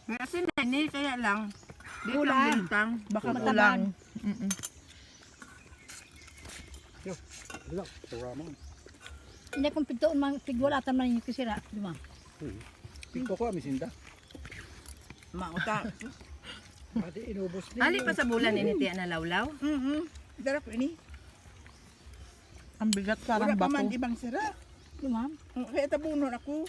Kasi nani, kaya lang. Di Kulang. lang bintang. Baka Kulang. kulang. Wala, turama. Hindi kung pintoon mang tigwalatan man yung kisira. Di ba? Pito ko, misinda. Mauta. Pati inubos niya. Ali pa sa bulan ini tiya na lawlaw. Sarap ini. Ang bigat Wala parang pa man bato. ibang sarap. Di ba? Kaya tabunon ako.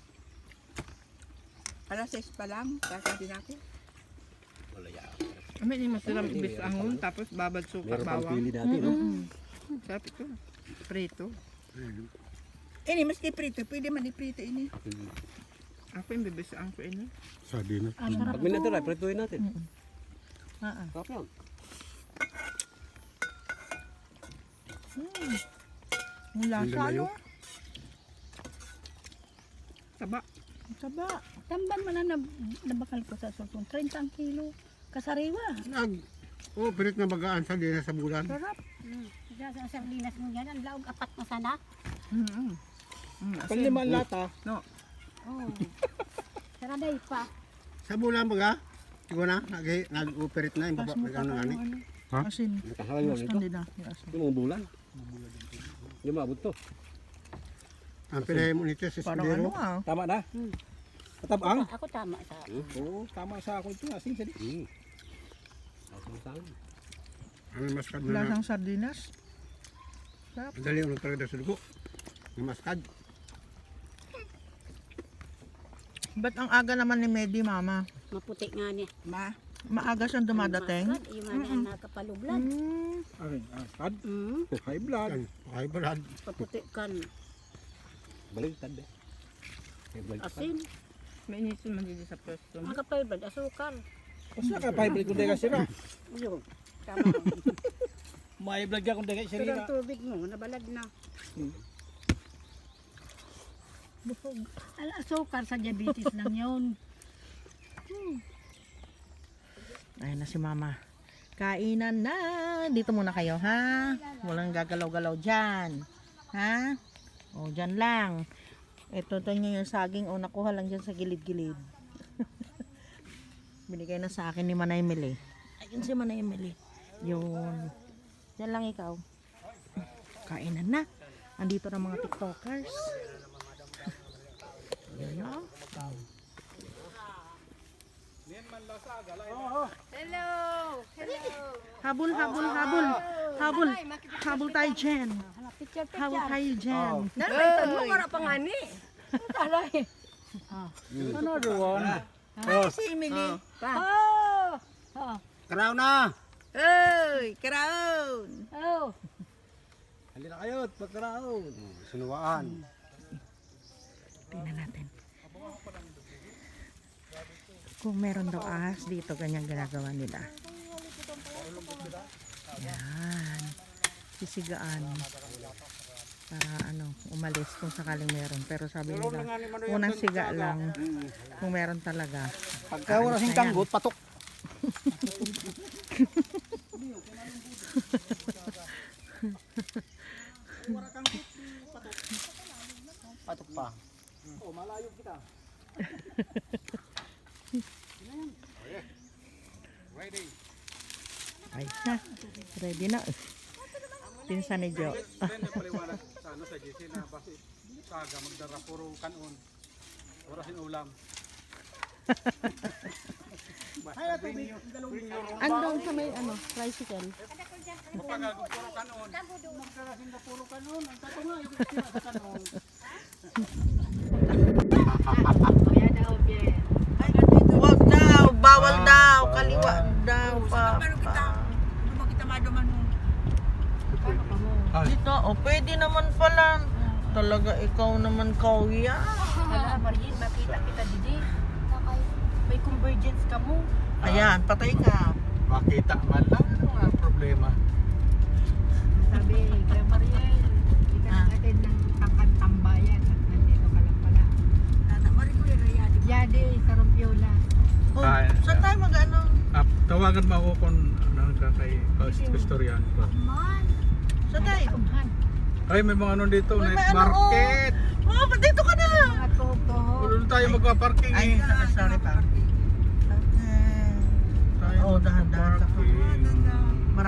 Alas 6 pa lang. Kakain ako. Wala yan. Amin ni masarap ibis angon tapos babad suka Meron pang bawang. pili natin, no? Sarap ito. Prito. Ini maski prito. Pwede man iprito ini. Ako yung bibisaan ko ini. Sabi na. Ang sarap Pag minatira, prituin natin. Ah, Sarap yan. Ang lasa, no? Taba. Ang taba. Tamban man na nabakal ko sa sultong. 30 ang kilo. Kasariwa. Pirit na bagaan sa dinas sa bulan. Sarap. Sa sardinas mo yan, ang laog apat na sana. Pangliman lata. Oh. Saraday pa. Sa bulan baga, siguro na, nag-operate na yung baba, nag-ano nga ni. Asin. Nakahalayo Mas nito. kandi na. Yung asin. Yung mga bulan. Hindi maabot to. Ang pinahin mo nito sa Parang Sibero. ano ah. Tama na. Katabang? Ako tama sa Oo, tama sa ako ito. Asin sa di. Asin sa akin. Ang maskad na, Lasang sardinas. madali ulo talaga sa dugo. Ang maskad. Ba't ang aga naman ni Medi, mama? maputi nga niya. Maaga siyang dumadating? Yung mga nakapalublan. Akin, kad. High blood. Yan, okay balad. Paputi kan. Baligtad eh. High blood. Asin. May inisin man dito sa pwesto. Makapalublan. Asukal. Kasi naka-high blood kung dega sira. Yun. Tama. May blood ka kung dega Pero sira. ang tubig mo, nabalad na. Busog. Asukar sa diabetes lang yun. Ayun na si mama. Kainan na. Dito muna kayo, ha? Walang gagalaw-galaw dyan. Ha? O, dyan lang. Ito nyo yung saging. O, nakuha lang dyan sa gilid-gilid. Binigay na sa akin ni Manay Emily. Ayun si Manay Emily. Yun. Dyan lang ikaw. Kainan na. Andito na mga tiktokers. Yun o. Hello! Hello! Habol, habol, habol. Habol. Habol tayo dyan. Habol tayo dyan. Nalaitan mo, wala pa nga ni. Another one. Si Emily. Oh! Oh! Karaw na! Oy, crown. Oh! Halina kayo, pagkaraon. Sinuwaan. Tingnan natin. Kung meron daw ahas dito, ganyan ginagawa nila. Yan. Sisigaan. Para ano, umalis kung sakaling meron. Pero sabi nila, unang siga lang. Kung meron talaga. Pagka wala sing tanggot, patok. Patok pa. Oh, malayo kita. Ay na. Ready na. Pinsan ni Jo. Paliwanag sa ano sa GC na basi saga magdara puro kanon. Orasin ulam. Andong sa may ano, tricycle. Pagagod puro kanon. Magdarasin na puro kanon. Ang tato nga yung sa kanon. Huwag daw, bawal daw, kaliwa daw pa. Paano kita? Ano ba kita maduman mo? Dito, oh, pwede naman pala. Talaga ikaw naman kauya. Wala, Marin, makita kita didi. May convergence ka mo. Ayan, patay ka. Makita man lang ano ang problema. Sabi, kay Mariel, kita natin ng tambayan at nandito ka lang pala. Tata, marikulir na yan. Yadi, sa Rompiola. Oh, Ay, saan tayo mag-ano? Tawagan mo ako kung kay historian ko. Saan tayo? Umhan. Ay, may mga ano dito, Uy, night may ano, market. Oh, dito ka na. Mga tuhog-tuhog. Doon tayo magpa-parking Ay, eh. sorry pa.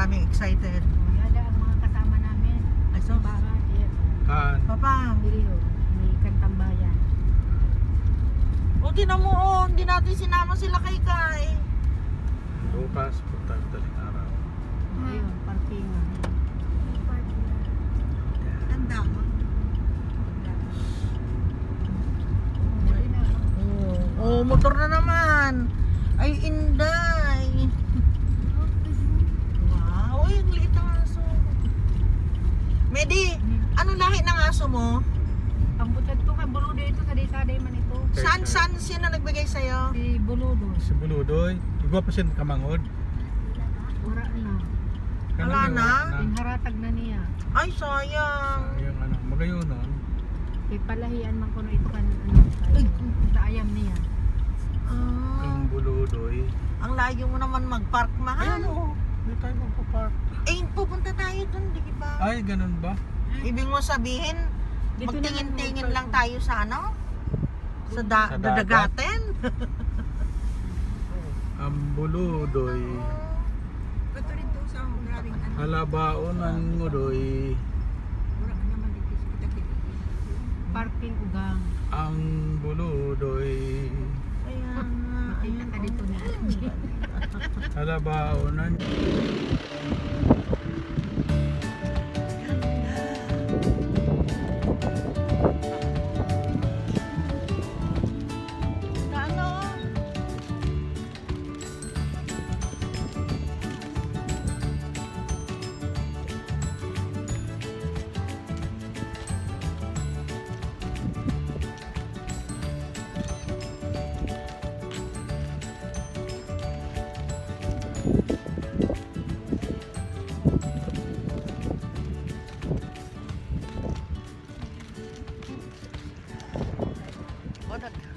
maraming excited. O, yada ang mga kasama namin. Ay, so, Bahay, yan. Kan. Papa, Dili, o. May kantambayan. o tinan mo, hindi natin sinama sila kay Kai. Bukas, punta daling araw. Ayun, parking. Tanda mo. Dali na. Oh, motor na naman. Ay, inday. Wow, ay, ang liit ng aso. Medi, anong lahi ng aso mo? Ang butad ko kay Buludo ito, saday-saday man ito. Saan sino nagbigay sa'yo? Si Buludo. Si Buludoy, igwa pa siya kamangod. Wala na. Wala na? Ingharatag na niya. Ay, sayang. Yung ano, magayon nun. Kay palahian man ko no ito kan sa ayam niya. Ah, Yung Buludoy. ang layo mo naman mag-park, mahal. Ayan o, hindi tayo magpapark. Eh, pupunta tayo dun, di ba? Ay, ganun ba? Ibig mo sabihin, Dito na lang magtingin-tingin mag-park. lang tayo sa ano? Sa Sa dagat. dadagaten? Ang Buludoy. Bato rin sa maraming ano. Halabaon ang ngudoy. Wala ka naman dito sa kita-kita. Parking ugang. Ang Buludoy. Ayan nga. Makita ka dito ni Angie. Halabaon ang... Ano? O,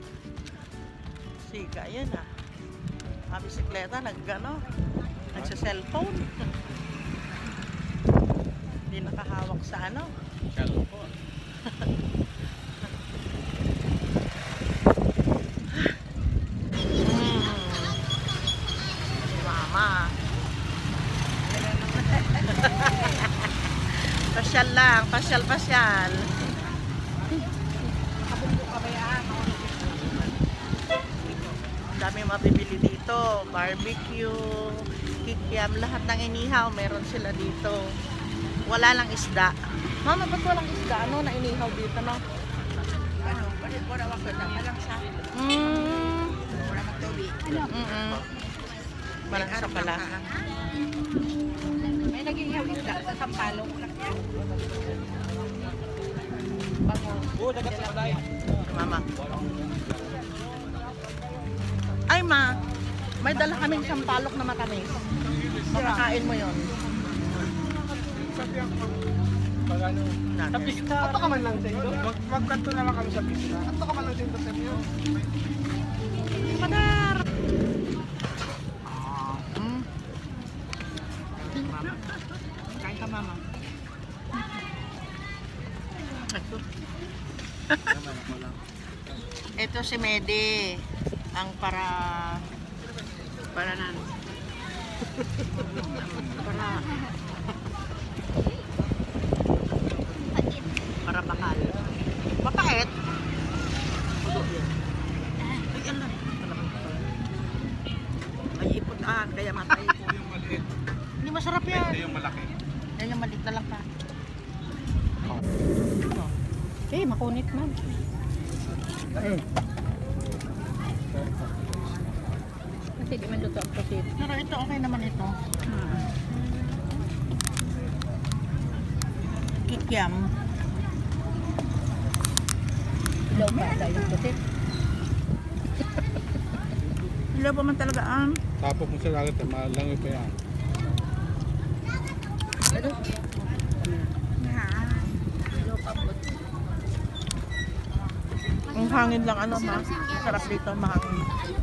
siga yan ah. Ang bisikleta nagsa-cellphone. Hindi nakahawak sa ano. Cellphone. Mama. Pasyal lang, pasyal. Ang dami mabibili dito. Barbecue, kikiam, lahat ng inihaw meron sila dito. Wala lang isda. Mama, ba't walang isda? Ano na inihaw dito, no? Ano, wala ako na malang sa. Wala magtuloy. Walang sa pala. May naging isda sa Sampalong. Mama. Ay, ma. May dala kaming sampalok na matamis. Makakain mo yon. Pag ano, Tapos ato ka man lang sa ito. Magkanto naman kami sa pista. Ato ka man lang sa ito sa inyo. Madar! Kain ka, mama. Ito si Medi. Ang para nan. Para bakal. Mapait. Ay, ano? Ay, iputan. Kaya matay. Yung maliit. Hindi masarap yan. Ito yung malaki. Yan yung maliit na lang pa. Okay, makunit man. Kasi di man luto ang prosit. Pero ito, okay naman ito. Kikiam. Ilaw pa tayo yung prosit. Hello pa man talaga ang. Tapos mo sa dagat, malangoy pa yan. Ang hangin lang ano ma. Sarap dito, mahangin.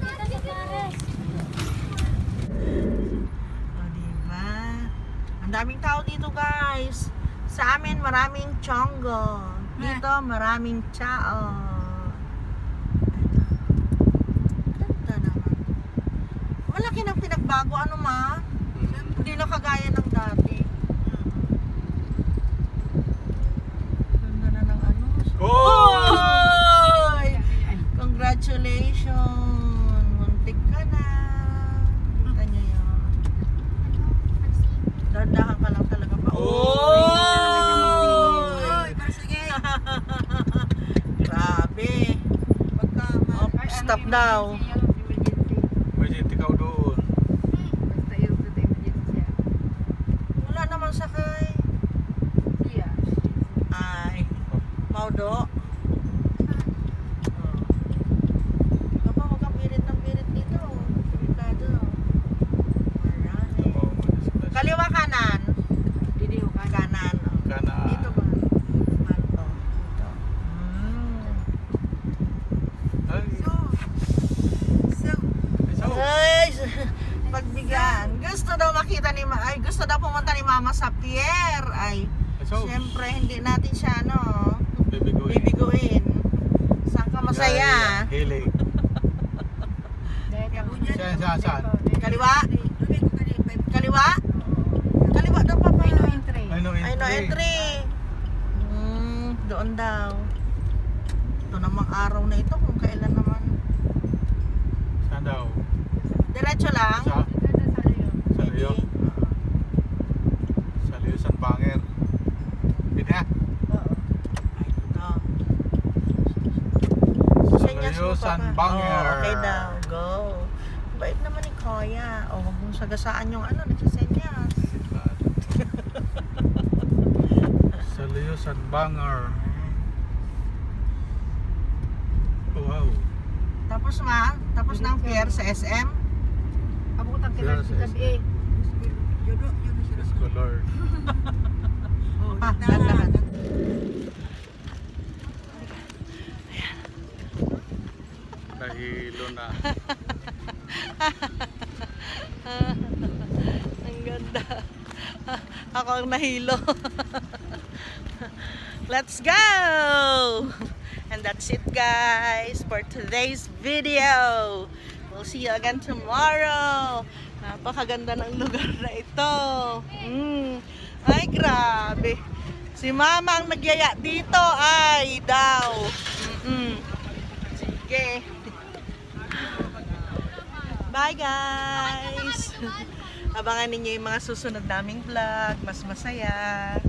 O, diba? Ang daming tao dito, guys. Sa amin, maraming chongo. Dito, maraming chao. Ganda naman. Malaki ng pinagbago, ano ma? Hindi na kagaya ng daw. Emergency ikaw doon. Basta yung sa emergency siya. Wala naman sakay. Iya. Ay, Maudo. Papa, huwag kang birit ng birit dito. Delikado. Marami. Kaliwa kanan. Didi ko ka. Kanan. Kana. Dito ba? Dito. Dito. Ay. So, Ay, pagbigyan. Gusto daw makita ni gusto daw pumunta ni Mama sa pier. Ay, so, syempre hindi natin siya bibiguin. bibiguin. Saan ka masaya? Hiling. Saan? Kaliwa? Kaliwa? Kaliwa daw papa. Ay, no entry. Ay, no entry. Ay, no entry. Doon daw. Ito namang araw na ito kung kailan naman. Saan daw? Diretso lang. Sa Ito na sa iyo. Sa Leo. Sa Leo San Banger. Pwede ha? Ay, ito. Sa Senyas Leo mo, San Papa. Banger. Oh, okay daw. Go. Bait naman ni Kuya. O, huwag mong sagasaan yung nagsisenyas. Sa Leo San Banger. Wow. Tapos tapos ng pier sa SM. Abutan kita Yes, sa yes, gabi. Scholar. Pa, dahan. Nahilo na. Ang ganda. Ako ang nahilo. Let's go! And that's it guys for today's video. We'll see you again tomorrow. Napakaganda ng lugar na ito. Ay, grabe. Si Mama ang nagyaya dito. Ay, daw. Sige. Bye guys! Abangan ninyo yung mga susunod naming vlog. Mas masaya.